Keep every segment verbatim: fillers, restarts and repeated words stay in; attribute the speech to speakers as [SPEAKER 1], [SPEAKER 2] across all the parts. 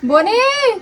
[SPEAKER 1] বনি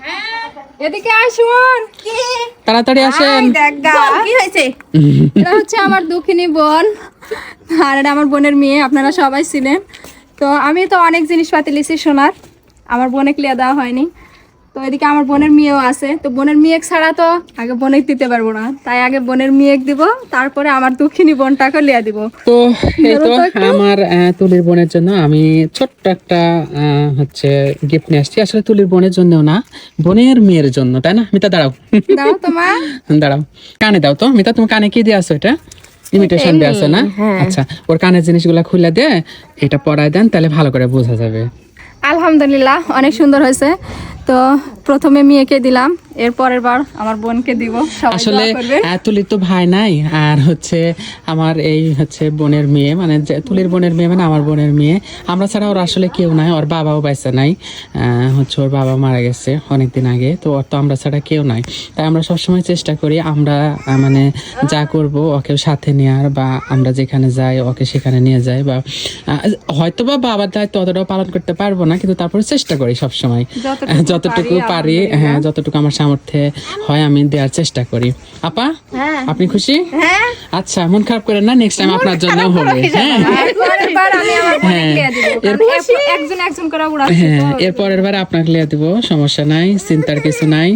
[SPEAKER 1] এদিকে আসুন।
[SPEAKER 2] তাড়াতাড়ি আসেন।
[SPEAKER 1] কি হয়েছে? এটা হচ্ছে আমার দুঃখিনী বোন, আর এটা আমার বোনের মেয়ে। আপনারা সবাই ছিলেন। তো আমি তো অনেক জিনিসপাতি লিছি সোনার, আমার বোনে ক্লিয়ার দেওয়া হয়নি। তো এদিকে আমার বোনের মেয়েও আছে। তো বোনের মেয়ে ছাড়া তো আগে বোনেক দিতে পারবো না, তাই আগে বোনের মেয়ে দিব, তারপরে আমার দুঃখিনী বোনটাকে লিয়া দিব।
[SPEAKER 2] তো এই তো আমার আহ, তুলির বোনের জন্য আমি ছোট্ট একটা আহ, হচ্ছে গিফট নিয়ে আসছি। আসলে তুলির বোনের জন্য না, বোনের মেয়ের জন্য, তাই না? মিতা দাঁড়াও,
[SPEAKER 1] দাও তোমার
[SPEAKER 2] দাঁড়াও, কানে দাও তো। মিতা তুমি কানে কি দিয়ে আসো? এটা ইমিটেশন দিয়ে আসো না? আচ্ছা, ওর কানের জিনিসগুলা খুলে দিয়ে এটা পরায় দেন, তাহলে ভালো করে বোঝা যাবে।
[SPEAKER 1] আলহামদুলিল্লাহ অনেক সুন্দর হয়েছে। তো প্রথমে মেয়েকে দিলাম, এর পরের বার আমার বোনকে দিব। সবাই
[SPEAKER 2] আসলে
[SPEAKER 1] দোয়া করবে।
[SPEAKER 2] আহ, তুলির তো ভাই নাই, আর হচ্ছে আমার এই হচ্ছে বোনের মেয়ে, মানে যে তুলির বোনের মেয়ে মানে আমার বোনের মেয়ে। আমরা ছাড়া ওর আসলে কেউ নাই, ওর বাবাও বাইসা নাই। আহ, হচ্ছে ওর বাবা মারা গেছে অনেকদিন আগে, তো ওর তো আমরা ছাড়া কেউ নাই। তাই আমরা সবসময় চেষ্টা করি আমরা আহ, মানে যা করব ওকে সাথে নেওয়ার, বা আমরা যেখানে যাই ওকে সেখানে নিয়ে যাই, বা আহ, হয়তো বা বাবার দায়িত্ব অতটাও পালন করতে পারবো না, কিন্তু তারপরে চেষ্টা করি সবসময়
[SPEAKER 1] যতটুকু
[SPEAKER 2] যতটুকু পারি, হ্যাঁ যতটুকু আমার সামর্থ্যে হয় আমি দেওয়ার চেষ্টা করি। আপা আপনি খুশি? আচ্ছা, মন খারাপ করেন না, নেক্সট টাইম আপনার জন্য হবে। হ্যাঁ
[SPEAKER 1] পরের বার আমি আমার বোনকে লিয়া দিব, কারণ এরপর একজন একজন করে উড়াচ্ছি
[SPEAKER 2] হ্যাঁ
[SPEAKER 1] তো।
[SPEAKER 2] এর পরের বার আপনাকে লিয়ে দিব, সমস্যা নাই, চিন্তার কিছু নাই।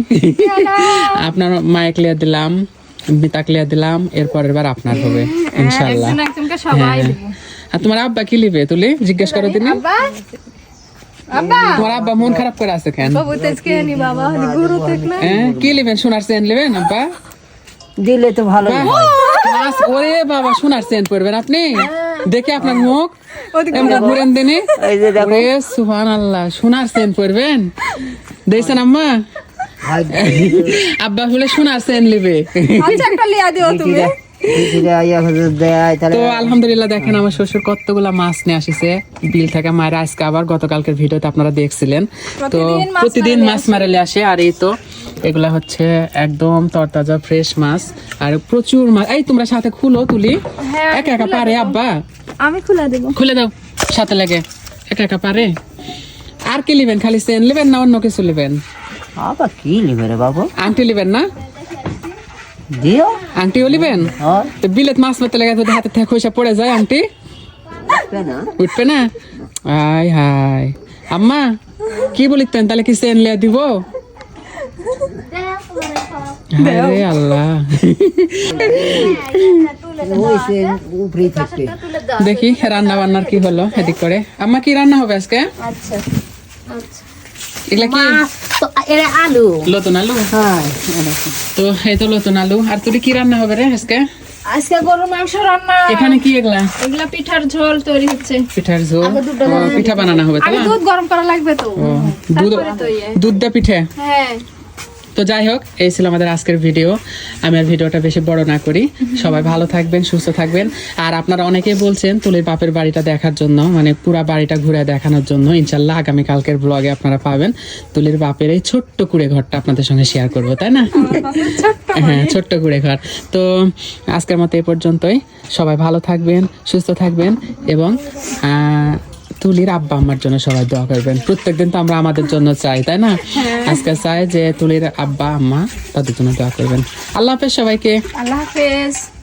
[SPEAKER 2] আপনার মায়ের লিয়ে দিলাম, মিতাকে লিয়ে দিলাম, এর পরের বার আপনার হবে ইনশাআল্লাহ।
[SPEAKER 1] একজন একজনকে সবাই দিব।
[SPEAKER 2] আর তোমার আব্বা কি লিবে তুলি জিজ্ঞেস করো দিন।
[SPEAKER 1] আব্বা আব্বা
[SPEAKER 2] তোমার আব্বা মন খারাপ করে আছে কেন?
[SPEAKER 1] বাবু তেজকে নি বাবা গুরু দেখলে
[SPEAKER 2] হ্যাঁ কি লিবেন? সোনার চেন লিবেন আব্বা?
[SPEAKER 3] দিলে তো ভালো।
[SPEAKER 2] মাস ওরে বাবা, সোনার চেন পরবেন আপনি? দেখে আপনার মুখ এমনি ঘুরেন দিনে।
[SPEAKER 3] এই যে দেখো,
[SPEAKER 2] ওরে সুবহানাল্লাহ, সোনার চেন পরবেন দেখছেন আম্মা? আব্বা বলে সোনার চেন লিবে।
[SPEAKER 1] আচ্ছা একটা লিয়া দিও তুমি।
[SPEAKER 2] তো আলহামদুলিল্লাহ দেখেন আমার শ্বশুর কতগুলা মাছ নিয়ে আসিছে বিল থেকে। মায়ের আজকে আবার গতকালকের ভিডিওতে আপনারা দেখছিলেন। তো প্রতিদিন মাছ মারেলে আসে, আর এই তো এগুলা হচ্ছে একদম তরতাজা ফ্রেশ মাছ, আর প্রচুর মাছ। এই তোমরা সাথে খুলো তুলি, একা একা পারে আব্বা?
[SPEAKER 1] আমি খুলে দেব।
[SPEAKER 2] খুলে দাও সাথে লাগে, একা একা পারে? আর কি লিবেন? খালি চেন লিবেন না অন্য কিছু লিবেন?
[SPEAKER 3] আবার কি নিবে রে বাবু?
[SPEAKER 2] আংটি লিবেন না?
[SPEAKER 3] দিও।
[SPEAKER 2] আংটিও লিবেন?
[SPEAKER 3] হ্যাঁ,
[SPEAKER 2] তো বিলেত মাছ মারতে লেগে যদি হাতে থেকে খইসা পড়ে যায় আংটি
[SPEAKER 3] উঠবে না।
[SPEAKER 2] উঠবে না? আয় হায় আম্মা, কি বলিতেন তাহলে? কি চেন লিয়া দিব? আরে আল্লাহ,
[SPEAKER 3] ওই সে উপরেই থাকবে।
[SPEAKER 2] দেখি রান্না বান্নার কি হলো এদিক করে। আম্মা কি রান্না হবে আজকে?
[SPEAKER 1] আচ্ছা
[SPEAKER 2] এগুলা কি?
[SPEAKER 3] এরা আলু।
[SPEAKER 2] লতুন আলু?
[SPEAKER 3] হ্যাঁ,
[SPEAKER 2] তো এই তো লতুন আলু। আর তুই কি রান্না হবে রে আজকে?
[SPEAKER 1] আজকে গরুর মাংস রান্না।
[SPEAKER 2] এখানে কি এগুলা?
[SPEAKER 1] এগুলা পিঠার ঝোল তৈরি হচ্ছে।
[SPEAKER 2] পিঠার ঝোল? ও, পিঠা বানানো হবে তো
[SPEAKER 1] আগে
[SPEAKER 2] না?
[SPEAKER 1] দুধ গরম করা লাগবে তো।
[SPEAKER 2] ও, দুধ
[SPEAKER 1] তারপরে তো ইয়ে।
[SPEAKER 2] দুধ দা পিঠে।
[SPEAKER 1] হ্যাঁ
[SPEAKER 2] তো যাই হোক, এই ছিল আমাদের আজকের ভিডিও। আমি আর ভিডিওটা বেশি বড় না করি। সবাই ভালো থাকবেন, সুস্থ থাকবেন। আর আপনারা অনেকেই বলছেন তুলির বাপের বাড়িটা দেখার জন্য, মানে পুরা বাড়িটা ঘুরে দেখানোর জন্য। ইনশাল্লাহ আগামী কালকের ব্লগে আপনারা পাবেন তুলির বাপের এই ছোট্ট কুড়ে ঘরটা আপনাদের সঙ্গে শেয়ার করবো, তাই না? হ্যাঁ, ছোট্ট কুড়ে ঘর। তো আজকের মতো এই পর্যন্তই। সবাই ভালো থাকবেন, সুস্থ থাকবেন, এবং আহ তুলির আব্বা আম্মার জন্য সবাই দোয়া করবেন। প্রত্যেকদিন তো আমরা আমাদের জন্য চাই, তাই না? আজকে চাই যে তুলির আব্বা আম্মা তাদের জন্য দোয়া করবেন। আল্লাহ হাফেজ সবাইকে।
[SPEAKER 1] আল্লাহ হাফেজ।